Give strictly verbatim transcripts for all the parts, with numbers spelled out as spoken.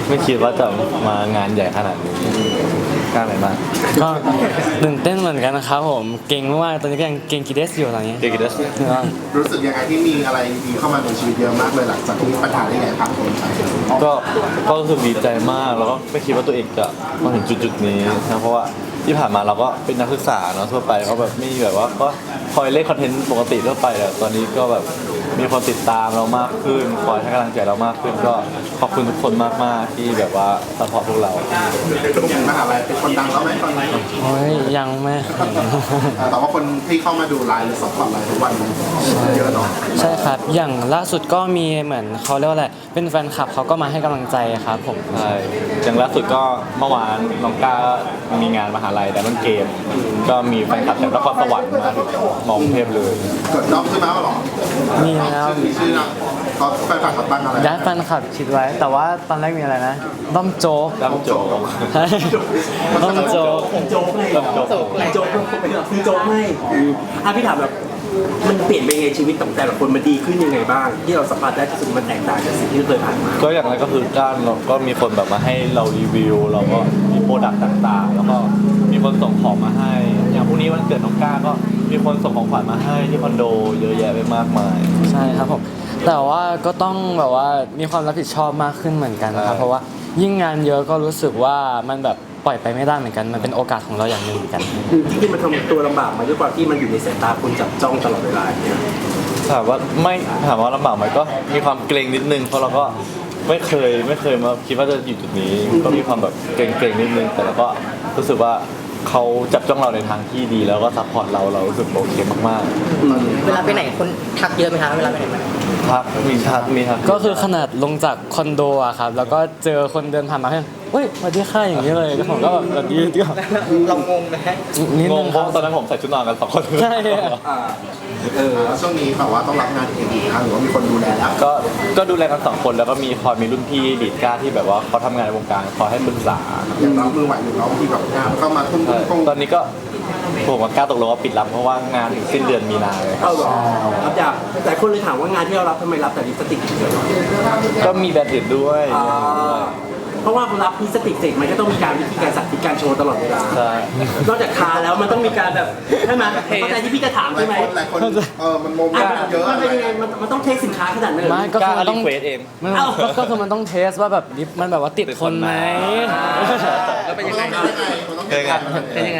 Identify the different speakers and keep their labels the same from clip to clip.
Speaker 1: ไม่คิดว่าจะมางานใหญ่ขนาดนี้กล้าไหนมาก
Speaker 2: ก็ตื่นเต้นเหมือนกันนะครับผมเก่งมากตอนนี้ก็ยังเก่งกีเดสอยู่ตอนนี้
Speaker 1: เก่งกีเดส
Speaker 3: รู้สึกยังไงที่มีอะไรดีเข้ามาในชีวิตเยอะมากเลยหลังจากที่ปัญหาได้ไงผ่านพ้นไป
Speaker 1: ก็ก็รู้สึกดีใจมากแล้วก็ไม่คิดว่าตัวเองจะมาถึงจุดๆนี้นะเพราะว่าที่ผ่านมาเราก็เป็นนักศึกษาเนาะทั่วไปก็แบบไม่แบบว่าก็คอยเล่นคอนเทนต์ปกติทั่วไปแต่ตอนนี้ก็แบบมีคนติดตามเรามากขึ้นคอยให้กำลังใจเรามากขึ้นก็ขอบคุณทุกคนมากๆที่แบบว่าซัพพอร์ตพวกเรา
Speaker 3: อย่างมหาลัยเป็นคนดังแล้วไหมตอนนี้
Speaker 2: โอ้ยยังไม่
Speaker 3: แต่ว่าคนที่เข้ามาดูไลน์หรือซัพพอร์ตไลน์ทุกวันเยอะเนาะ
Speaker 2: ใช่ครับอย่างล่าสุดก็มีเหมือนเขาเรียกว่าอะไรเป็นแฟนคลับเขาก็มาให้กำลังใจครับผม
Speaker 1: ใช่อย่างล่าสุดก็เมื่อวานน้องก้ามีงานมหาลัยแต่มันเกมก็มีแฟนคลับจากนครสวรรค์มาถึงมองเทพเลย
Speaker 3: เกิดน้องขึ้นมาหรอ
Speaker 2: มีแล้ว
Speaker 3: มีชื่อนะเขาแฟนคลับเขาตั้งอะไร
Speaker 2: ย้ายแฟนคลับคิดไว้แต่ว่าตอนแรกมีอะไรนะด้อมโจ๊ก
Speaker 1: ด้อมโจ๊ก
Speaker 2: ด้อมโจ๊ก
Speaker 4: โจ๊กเลยโจ๊กโจ๊กโจ๊กเป็นแบบคือโจ๊กให้อ่ะพี่ถามแบบมันเปลี่ยนไปไงชีวิตของแต่ละคนมันดีขึ้นยังไงบ้างที่เราสัมผัสได้ที่สุดมันแตกต่างจากสิ่งที่เคยผ่านมา
Speaker 1: ก็อย่างไรก็คือก้านเราก็มีคนแบบมาให้เรารีวิวเราก็มีโปรดักต์ต่างๆแล้วก็มีคนส่งของมาให้อย่างพรุ่งนี้วันเกิดน้องก้าก็มีคนส่งของขวัญมาให้ที่คอนโดเยอะแยะไปมากมาย
Speaker 2: ใช่ครับผมแต่ว่าก็ต้องแบบว่ามีความรับผิดชอบมากขึ้นเหมือนกันนะครับเพราะว่ายิ่งงานเยอะก็รู้สึกว่ามันแบบปล่อยไปไม่ได้เหมือนกันมันเป็นโอกาสของเราอย่างหนึ่งเหมือนกัน
Speaker 4: ที่มันทำตัวลำบากมาด้วยความที่มันอยู่ในสายตาคนจับจ้องตลอดเวลาเนี่ย
Speaker 1: ถามว่าไม่ถามว่าลำบากไหมก็มีความเกรงนิดนึงเพราะเราก็ไม่เคยไม่เคยมาคิดว่าจะอยู่จุดนี้ก็มีความแบบเกรงๆนิดนึงแต่เราก็รู้สึกว่าเขาจับจ้องเราในทางที่ดีแล้วก็ซัพพอร์ตเราเรารู้สึกโอเคมาก
Speaker 5: ๆเวลาไปไหนคนทักเยอะไหมคะเวลาไปไหนมา
Speaker 1: ทักมีทักมีทัก
Speaker 2: ก็คือขนาดลงจากคอนโดอะครับแล้วก็เจอคนเดินผ่านมาให้เฮ้ยสวัสดีค่ะอย่างนี้เลยแล้วผมก็แบบแบบนี้ก็
Speaker 5: เรางงไหม
Speaker 1: งงเพราะตอนนั้นผมใส่ชุดนอนกันสองคน
Speaker 2: ใช่
Speaker 3: เออช่วงนี้แบบว่าต้องรับงานเองอีกครั้งหรือว่ามีคนดูแลแล้ว
Speaker 1: ก็ก็ดูแลกันสองคนแล้วก็มีคอยมีรุ่นพี่ดีดก้าที่แบบว่าเขาทำงานในวงการคอยให้ปรึกษา
Speaker 3: อย่างเรามือไหวอยู่เราที่แบบงานเข้ามาทุ่ม
Speaker 1: ๆตอนนี้ก็ผมกับก้าตกลงว่าปิดรับเพราะว่างานถึงสิ้นเดือนมีนาเลย
Speaker 4: เอาหรอรับจากแต่คนเลยถามว่างานที่เรารับทำไมรับแต่ลิปสติกเยอะ
Speaker 1: ก็มีแบบอื่นด้วย
Speaker 4: เพราะว่ารับลิปสติกเสร็จมันก็ต้องมีการวิธีการสักที่การโชว์ตลอดเวลา
Speaker 1: ใช่
Speaker 4: นอกจากทาแล้วมันต้องมีการแบบใช่ไหมเข้าใจที่พี่จะถามใช่ไหม
Speaker 3: หลายคนเออมันโมเมนต์เยอะ
Speaker 4: มันเป็นยังไงมันต้องเทสสินค้าขนาดนั้น
Speaker 2: ไม่ก็คือ
Speaker 1: ต้องเควสเอง
Speaker 2: ก็คือมันต้องเทสว่าแบบลิปมันแบบว่าติดคนไหม
Speaker 5: แล้วเป็นยังไง
Speaker 1: เป็นยังไง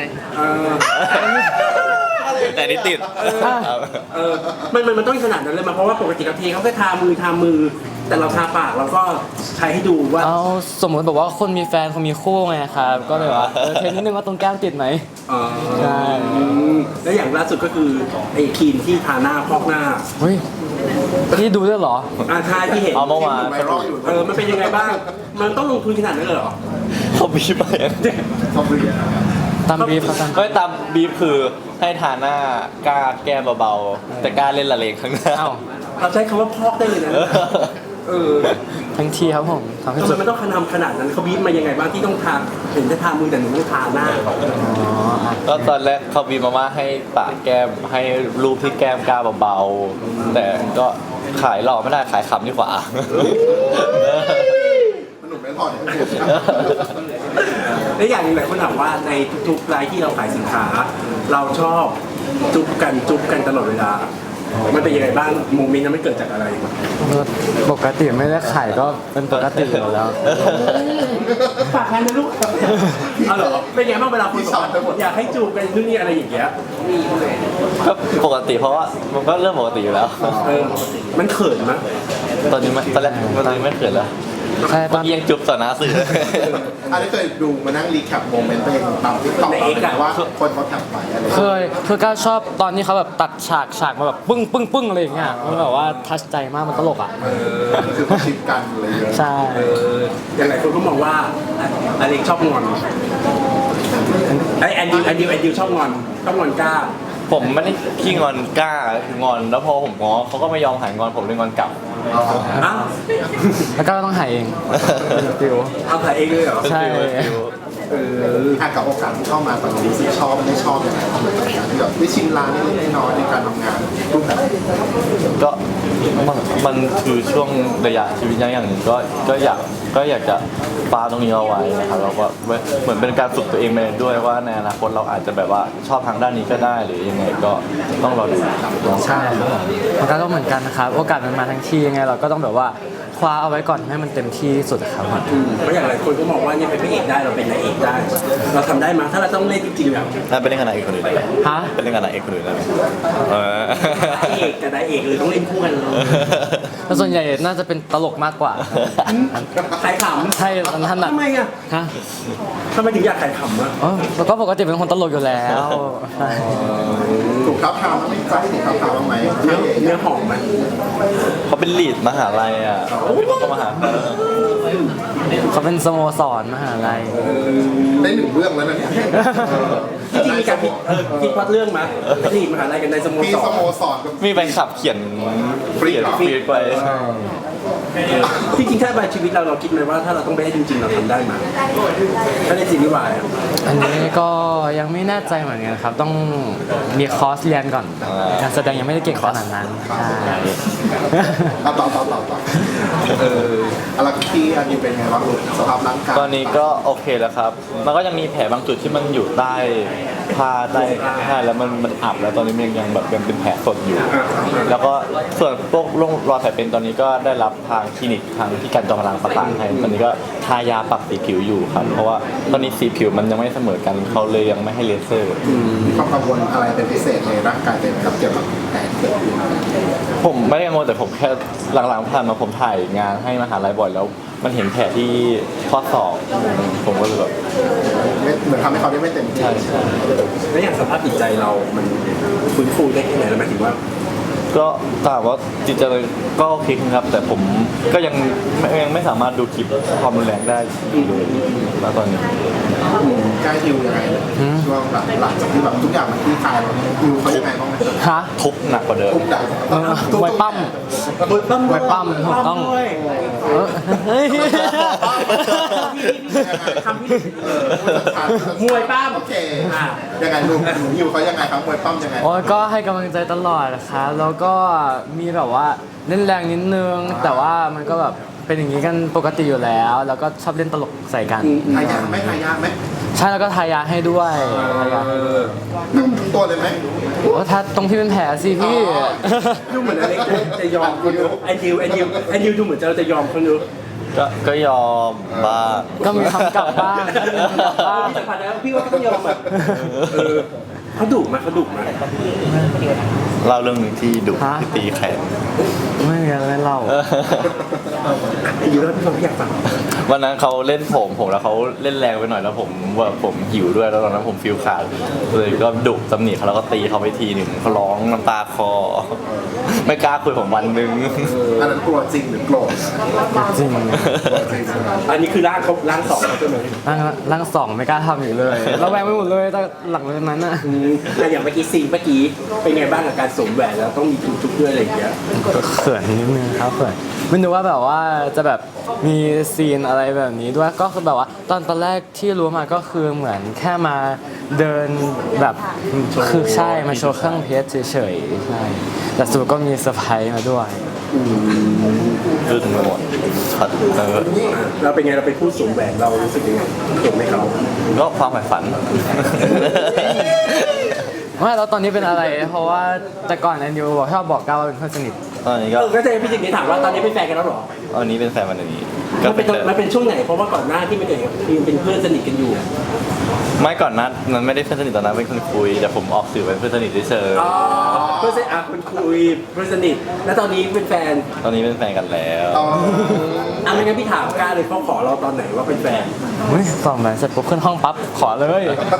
Speaker 1: แต่นี่ติด
Speaker 4: เออมันมันมันต้องขนาดนั้นเลยมาเพราะว่าปกติกับทีเขาแค่ทามือทามือแต่เราทาปากเราก็ใช้ให้ดูว่า
Speaker 2: เอาสมมติแบบว่าคนมีแฟนคนมีคู่ไงครับก็เลยว่าเทสนิดนึงว่าตรงแก้มติดไหมใช่
Speaker 4: แล้วอย่างล่าสุดก็คือไอ้ครีมที่ทาหน้าพอกหน้า
Speaker 2: เฮ้ยนี่ดูด้วยเหรอ
Speaker 4: อ่าทาที่เห็น
Speaker 1: เอาเมื่อวาน
Speaker 4: เออมันเป็นยังไงบ้างมันต้องลงทุนขนาดนั้นเลยเหรอ
Speaker 1: เขาบีบไป
Speaker 2: ตามบีฟครับ
Speaker 1: ไม่ตามบีฟคือให้ทาหน้ากล้าแก้เบาๆแต่กล้าเล่นละเลงข้างหน้า
Speaker 4: เราใช้คำว่าพอกได้เลยนะเออ
Speaker 2: ทั้งทีครับผม
Speaker 4: ทำไมมันต้องทำขนาดนั้นเขาบีบมายังไงบ้างที่ต้องทาเห็นจะทามือแต่หนูต้องทาหน้า
Speaker 1: ก็ตอนแรกเขาบีบมาว่าให้ปะแก้มให้รูปที่แก้มกล้าเบาๆแต่ก็ขายหล่อไม่ได้ขายขำดีกว่า
Speaker 3: หนุ่มไม่พอเนี่ย
Speaker 4: และอย่างนึงหลายคนถามว่าในทุกๆรายที่เราขายสินค้าเราชอบจุ๊บกันจุ๊บกันตลอดเวลามันเป็นยังไงบ้างโมเมนต์นั้นมันเกิดจากอะไร
Speaker 2: ปกติไม่ได้ขายก็เป็นปกติอยู่แล้ว
Speaker 4: ฝากงานนะลูกเอาเหรอเป็นยังไงบ้างเวลาคุณสอนอยากให้จูบกันนู่นนี่อะไรอย่างเงี้ย
Speaker 1: ก็ปกติเพราะว่ามันก็เรื่องปกติอยู่แล้ว
Speaker 4: เออมันเขินมั้ย
Speaker 1: ตอนนี้ไม่ตอนแรกตอนนี้ไม่เขินแล้วใช่ตอนยังจุบต่อหน้าสื่อ
Speaker 3: อันนี้เคยดูมานั่งรีแคปโมเมนต์ตัวเองตามที่ตอบว่าคนเขาแคปไปอะไร
Speaker 2: เคยคือก็ชอบตอนที่เขาแบบตัดฉากฉากมาแบบปึ้งปึ้งปึ้งอะไรอย่างเงี้ยมันแบบว่าทัชใจมากมันตลกอ่ะ
Speaker 3: คือเขาชิปกันอะไรเยอะ
Speaker 2: ใช่
Speaker 4: อย่างหลายคนก็มองว่าอเล็กชอบงอนไอแอนดิวแอนดิวแอนดิวชอบงอนชอบงอนกล้า
Speaker 1: ผมไม่ได้ขี้งอนกล้าคืองอนแล้วพอผมง้อเขาก็ไม่ยอมหายงอนผมเลยงอนกลับ
Speaker 2: แล้วก็ต้องหายเอง
Speaker 4: ฟิวเอาหายเองเลยเหรอ
Speaker 2: ใช่
Speaker 3: เอออ่ะกับโอกาสที่เข้ามาตอนนี้รู้สึกชอบไม่ชอบยังไงบ้างเลยกับการที่แบบได้ชิมร้านเล็กๆน้อยๆในการทำงานรูปแบบ
Speaker 1: ก็มันมันคือช่วงระยะชีวิตอย่างหนึ่งก็ก็อยากก็อยากจะปาตรงนี้เอาไว้นะครับแล้วก็เหมือนเป็นการฝึกตัวเองไปด้วยว่าในอนาคตเราอาจจะแบบว่าชอบทางด้านนี้ก็ได้หรือยังไงก็ต้องรอดู
Speaker 2: ใช่ครับมันก็ต้องเหมือนกันนะครับโอกาสมันมาทั้งทียังไงเราก็ต้องแบบว่าคว้าเอาไว้ก่อนให้มันเต็มที่ที่สุดครับ
Speaker 4: เพราะอย่างหลายคนก็มองว่าเนี่ยเป็นพระเอกได้เราเป็นนายเอกได้ เราทำได้มั้ยถ้าเราต้องเล่นจริงๆแบบ
Speaker 1: น่าเป็นเล่นกับนายเอกคนอื่นได้ไหม
Speaker 2: ฮะ
Speaker 1: เป็นเล่นกับนายเอกคนอื่นได้ไหมเออ
Speaker 4: พระเอกกับนายเอกเลยต้องเล่นคู่กันเลย
Speaker 2: แต่ส่วนใหญ่น่าจะเป็นตลกมากกว่า
Speaker 4: ขายขำ
Speaker 2: ใช่มันถนัด
Speaker 4: ทำไมอ่ะ
Speaker 2: ฮะ
Speaker 4: ทำไมถึงอยากขายขำอ่ะ
Speaker 2: อ๋อแล้วก็ปกติเป็นคนตลกอยู่แล้วใช่
Speaker 3: ถูกท้าทามไม่ใจถูกท้าทามบ้างไหม
Speaker 4: เนื้อเนื้อหอมไหม
Speaker 1: เขาเป็นลีดมหาลัยอ่ะเขาก็มาหา
Speaker 2: เขาเป็นสโมสรมหาลัย
Speaker 3: ได้หนึ่งเรื่องแล้วนะเนี่ย
Speaker 4: จริงๆมีการคิดเออคิดพล็อตเรื่องมั้ยนี่มหาลัยกันในสโม
Speaker 3: มี
Speaker 4: ส
Speaker 3: ส
Speaker 4: ร
Speaker 3: โมสรกับ
Speaker 1: มีแฟนคลับเขียนเขียนฟีดไป
Speaker 4: จริงๆถ้าในชีวิตเราเราคิดไหมว่าถ้าเราต้องไปได้จริงๆเราทำได้ไหมถ้าในซีรีส์วายอะ
Speaker 2: อันนี้ก็ยังไม่แน่ใจเหมือนกันครับ ต้องมีคอร์สเรียนก่อน
Speaker 1: อ่า
Speaker 2: การแสดงยังไม่ได้เก่งขนาดนั้นใช่
Speaker 3: ต่อต่อต่อต่อต่อเอออะไรที่อันนี้เป็นไงบ้างลูกสภาพร่างกาย
Speaker 1: ตอนนี้ก็โอเคแล้วครับ มันก็ยังมีแผลบางจุดที่มันอยู่ใต้ผ้าใต้ใช่แล้วมันมันอับแล้วตอนนี้มันยังแบบยังเป็นแผลสดอยู่ แล้วก็ส่วนพวกร่องรอยแผลเป็นตอนนี้ก็ได้รับทางคลินิกทางที่การจอมพลังประสานให้ตอนนี้ก็ทายาปรับสีผิวอยู่ครับ เพราะว่าตอนนี้สีผิวมันยังไม่เสมอกันเขาเลยยังไม่ให้เลเซอร์
Speaker 3: มีความกังวลอะไรเป็นพิเศษในร่างกายเป็นครับเกี่ยวกับแผลที่เกิดขึ้น
Speaker 1: ผมไม่ได้กังวลแต่ผมแค่หลังๆผ่านมาผมถ่ายงานให้มหาลัยบ่อยแล้ว มันเห็นแผลที่ข้อศอกผมก็เลยแบบ
Speaker 3: ไม่เหมือนทำให้เขาได้ไม่เต็มที่
Speaker 1: ใช่ใช่
Speaker 4: แล้วอย่างสภาพจิตใจเรา มันฟื้นฟูได้แค่ไหนแล้วหมายถึงว่า
Speaker 1: ก็ถามว่าจิตใจก็โอเคครับ แต่ผมก็ยังไม่ยังไม่สามารถดูคลิปความรุนแรงได้เลยณตอนนี้
Speaker 3: ใกล้ฮิวยังไงเลยช่วงแบบหลังจากที่แบบทุกอย่างมันคลี่คลายแล้วฮิวเขายังไงบ้างไหม
Speaker 2: ฮะ
Speaker 1: ทุกข์หนักกว่าเดิม
Speaker 3: ทุกอย่าง
Speaker 2: เออมวยปั้ม
Speaker 4: มวยปั้ม
Speaker 2: มวยปั้มถูกต้อง
Speaker 4: ด้วย
Speaker 2: เออเฮ้ย
Speaker 4: คำที่มวยปั้ม
Speaker 3: โอเคยังไงลูกฮิวเขายังไงครับมวยปั้มยังไง
Speaker 2: โอ้ยก็ให้กำลังใจตลอดนะครับแล้วก็มีแบบว่าเล่นแรงนิดนึง แต่ว่ามันก็แบบเป็นอย่างนี้กันปกติอยู่แล้ว แล้วก็ชอบเล่นตลกใส่กัน
Speaker 3: ทายาไหมทายาไหม
Speaker 2: ใช่แล้วก็ทายาให้ด้วยทายาให้ด้วย
Speaker 3: ทั้งตัวเลยไหม
Speaker 2: โอ้ถ้าตรงที่เป็นแผลสิพี่
Speaker 4: ดูเหมือนอะไรจะยอมคนดูไอดิวไอดิวไอดิวดูเหมือนจะจะยอมคนดู
Speaker 1: ก็ก็ยอมบ้าง
Speaker 2: ก็มีคำกลับบ้างก็มีคำกลับบ้าง
Speaker 4: พี่สัมผัสแล้วพี่ว่าก็ต้องยอมอ่ะเออเขาดุไหมเขาดุไหม
Speaker 1: เล่าเรื่องหนึ่งที่ดุที่ตีแขน
Speaker 2: ไม่มีอะไรเล่า
Speaker 4: ไอดิวแล้วพี่ฟังพี่อยากฟัง
Speaker 1: วันนั้นเขาเล่นผมผมแล้วเขาเล่นแรงไปหน่อยแล้วผมว่าผมหิวด้วยแล้วตอนนั้นผมฟิลขาดเลยก็ดุตำหนิเขาแล้วก็ตีเขาไปทีหนึ่งเขาร้องน้ำตาคอ ไม่กล้าคุยผมวันหนึง
Speaker 3: อันนั้นกลัวจริงหรือโกรธ
Speaker 2: จริง
Speaker 4: อันนี้คือร่างเขาร่างสองเขาใช่ไหม
Speaker 2: ร่างร่างสองไม่กล้าทำอีกเลยเราแวงไปหมดเลยแต่หลังจากนั้นน่ะ
Speaker 4: อืมแต่อย่างเมื่อกี้ซีนเมื่อกี้เป็นไงบ้างกับการสวมแหวนแล้วต้องมีจุกๆด้วยอะไรอย่างเงี้ย
Speaker 2: ก็เขินนิดนึงครับเขินไม่รู้ว่าแบบว่าจะแบบมีซีนอะไรแบบนี้ด้วยก็คือแบบว่าตอนตอนแรกที่รู้มาก็คือเหมือนแค่มาเดินแบบคือใช่มาโชว์เครื่องเพชรเฉยๆใช่แต่สุดก็มีเซอร์ไพรส์มาด้วย
Speaker 1: อึ้งไปหมดช็อตเออ
Speaker 4: เราเป็นไงเราเป็นผู้สวมแหวนเรารู้สึกยังไงเก่งไหมเขา
Speaker 1: ก็ความใฝ่ฝัน
Speaker 2: ไม่แล้วตอนนี้เป็นอะไร เพราะว่าแต่ก่อนแอนดิวบอกชอบบอกก้าวว่าเป็นเพื่อนสนิท
Speaker 1: ตอนนี้
Speaker 4: เอ
Speaker 1: ก็
Speaker 4: อก็จะพี่จิงนี้ถามว่าตอนนี้เป็นแฟนกันแล้วเหรอ
Speaker 1: ตอนนี้เป็นแฟนวันนี้ก็
Speaker 4: มัน
Speaker 1: เป็
Speaker 4: เป็น น
Speaker 1: แต่
Speaker 4: มันเป็นช่วงไหนเพราะว่าก่อนหน้าที่ไม่เกิดยังเป็นเพื่อนสนิทกันอยู่
Speaker 1: ไม่ก่อนนั้นมันไม่ได้เพื่อนสนิทตอนนั้นเป็นคนคุยแต่ผมออกสื่อเป็นเพื่อนสนิทเฉย
Speaker 4: อ๋อเพื่อนสนิทอ่ะคุณคุยเพื่อนสนิทแล้วตอนนี้เป็นแฟน
Speaker 1: ๆตอนนี้เป็นแฟนกันแล้ว
Speaker 3: ต่อ
Speaker 4: อ่ะไม่งั้นพี่ถามกล้าเลยเขาขอเราตอนไหนว่าเป็นแฟน
Speaker 2: เฮ้ยสองแหวนเสร็จปุ๊บขึ้นห้องปั๊บขอเลย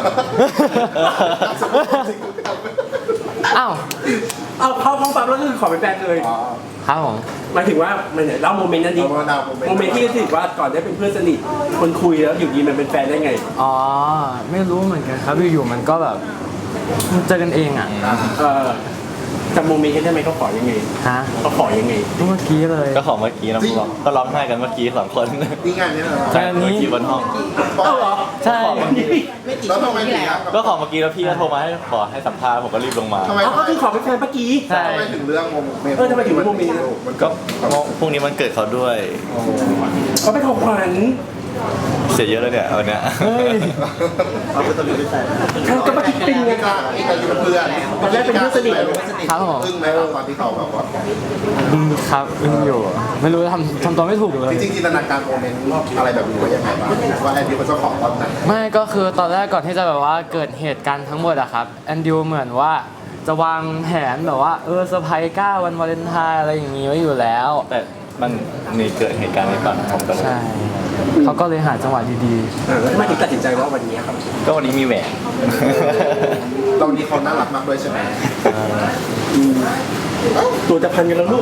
Speaker 2: อ้าว
Speaker 4: เอาเข้าห้องปั๊บแล้วก็คือขอเป็นแฟนเลย
Speaker 2: ครับผม
Speaker 4: หมายถึงว่ามันเนี่ยเล่าโมเมนต์นั้นดิ
Speaker 3: เอามาดาวโมเมนต์
Speaker 4: โมเมนต์ที่รู้สึกว่าก่อนได้เป็นเพื่อนสนิทคนคุยแล้วอยู่ดีมันเป็นแฟนได้ไง
Speaker 2: อ๋อ ไม่รู้เหมือนกันครับอยู่ๆมันก็แบบมันเจอกันเองอ่ะ
Speaker 4: เออจำโมเมนต์ได้ไหมเขาขอยังไง
Speaker 2: ฮะ
Speaker 4: เขาขอยังไง
Speaker 2: เมื่อกี้เลย
Speaker 1: ก็ของเมื่อกี้นะพวกเราก็ร้องไห้กันเมื่อกี้สองคน
Speaker 3: นี่งานนี้เหรอ
Speaker 2: ใช่ อันนี้
Speaker 1: เมื่อกี้บนห้อง
Speaker 4: เอ้าเหรอ
Speaker 2: ใช่
Speaker 3: แล้วทำไมถึงอยาก
Speaker 1: ก็ของเมื่อกี้แล้วพี่ก็โทรมาให้ขอให้สัมภาษณ์ผมก็รีบลงมา
Speaker 3: ทำไม
Speaker 4: เอาก็คือขอเป็นแฟนเมื่อกี้
Speaker 2: ใช่
Speaker 3: ทำไมถึงเรื่องโมเมนต์
Speaker 4: เออทำไมถึงเรื่องโมเมนต์
Speaker 3: มัน
Speaker 1: ก็
Speaker 3: ก็
Speaker 1: พรุ่งนี้มันเกิดเขาด้วย
Speaker 4: เขาเป็นของขวัญ
Speaker 1: เสียเยอะแล้วเนี่ยวันเนี้ย
Speaker 2: เฮ้ย
Speaker 3: เอาไปตัวนี้ไปใส่
Speaker 4: ทางก็มาคิดเป็นไง
Speaker 3: ไม่กล้าไม่กล้าอยู่เป็นเพื่อน
Speaker 4: ตอนแรกเป็นเพื่อนสนิท
Speaker 2: ครับผม
Speaker 3: ซึ่งไหมตอนที่เขาแบบว่า
Speaker 2: อืมครับอึ้งอยู่ ไม่รู้ทำทำตัวไม่ถูกเลย
Speaker 3: จริงๆจินตนาการโมเมนต์อะไรแบบนี้ไว้ยังไงบ้างว่าแอนดี้เขาจะขอตอนไหน
Speaker 2: ไม่ก็คือตอนแรกก่อนที่จะแบบว่าเกิดเหตุการณ์ทั้งหมดอะครับแอนดิวเหมือนว่าจะวางแผนแบบว่าเออเซอร์ไพรส์ก้าวันวาเลนไทน์อะไรอย่างงี้ไว้อยู่แล้ว
Speaker 1: แต่มันมีเกิดเหตุการณ์นี้ก่อนผมก็เลย
Speaker 2: ใช่เขาก็เลยหาจังหวะดี
Speaker 4: เออแล้วทำไมถึงตัดสินใจว่าวันนี้ครับ
Speaker 1: ก็วันนี้มีแหวน
Speaker 3: ตอนนี้เขาน่ารักมากด้วยใช่ไหม
Speaker 4: ตัวจะพันกันแล้วลูก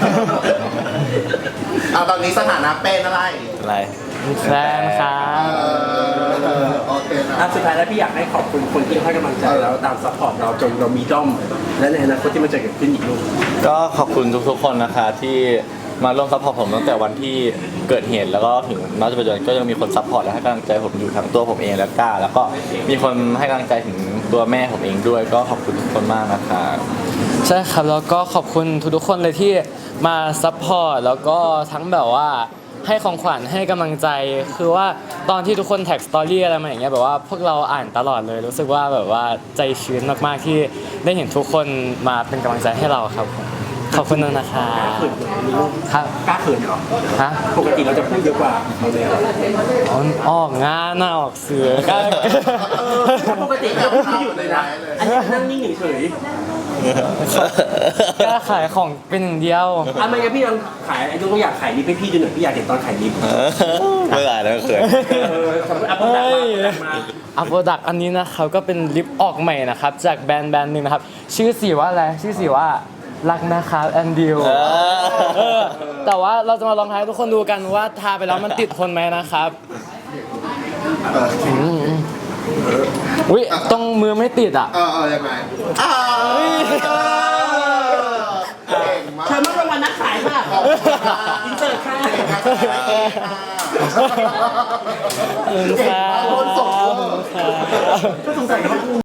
Speaker 3: อ่ะตอนนี้สถานะเป็นอะไร
Speaker 1: อะไร
Speaker 2: ๆแฟนครั
Speaker 3: เอบ อโอเคนะ
Speaker 4: อ่ะสุดท้ายแล้วพี่อยากให้ขอบคุณคนที่ให้กำลังใจเราตามซัพพอร์ตเราจนเรามีด้อม และในอนาคตที่มันจะเกิดขึ้นอีกลูก
Speaker 1: ก็ขอบคุณทุกๆคนนะคะที่มาร่วมซัพพอร์ตผมตั้งแต่วันที่เกิดเหตุแล้วก็ถึงณปัจจุบันก็ยังมีคนซัพพอร์ตและให้กำลังใจผมอยู่ทั้งตัวผมเองและก้า แล้วก็มีคนให้กำลังใจถึงตัวแม่ผมเองด้วย ก็ขอบคุณทุกคนมากนะคะ
Speaker 2: ใช่ครับแล้วก็ขอบคุณทุกๆคนเลยที่มาซัพพอร์ตแล้วก็ทั้งแบบว่าให้ของขวัญให้กำลังใจ คือว่าตอนที่ทุกคนแท็กสตอรี่อะไรมาอย่างเงี้ยแบบว่าพวกเราอ่านตลอดเลย รู้สึกว่าแบบว่าใจชื้นมากๆที่ได้เห็นทุกคนมาเป็นกำลังใจให้เราครับผมขอบคุณนะคะ
Speaker 4: เขินเหรอมีลูก
Speaker 2: ครับ
Speaker 4: กล้าเขินเหรอ
Speaker 2: ฮะ
Speaker 4: ปกติเราจะพูดเยอะกว่าเราเลยเหรอ
Speaker 2: อ๋อออกงานน่ะออกเสือก็
Speaker 4: ปกติเราพูดไม่หยุดเลยนะ อันนี้นั่งนิ่งเฉย
Speaker 2: กล้าขายของเป็นอย่างเดียว
Speaker 4: ๆอ่ะไม่งั้นพี่ลองขายไอ้ลูกก็อยากขายลิฟต์ให้พี่ดูหน่อยพี่อยากเห็นตอนขายลิฟต์
Speaker 1: ไม่ได้แล้วเขิน
Speaker 4: เออสมมติอัพโปรดักต์มาอัพโปรดักต์มา
Speaker 2: อัพโปรดักต์อันนี้นะครับก็เป็นลิปออกใหม่นะครับจากแบรนด์แบรนด์หนึ่งนะครับชื่อสีว่าอะไรชื่อสีว่ารักนะครับแอนดิว
Speaker 1: เออ
Speaker 2: แต่ว่าเราจะมาลองทายให้ทุกคนดูกันว่าทาไปแล้วมันติดทนไหมนะครับ
Speaker 3: เออ
Speaker 2: อุ้ยตรงมือไม่ติดอ่ะ
Speaker 3: เออเออยังไงอ่าเก่งมาก
Speaker 4: เชิญมารางวัลนักขายค่ะ
Speaker 3: ขอบคุณค่ะ
Speaker 4: อินเสิร์ตค่ะ
Speaker 3: เก่งมากค่ะ
Speaker 2: ขอบคุณครับ
Speaker 3: เก่งมากโดนส่งเวอร์
Speaker 4: ก็สงสัยว่า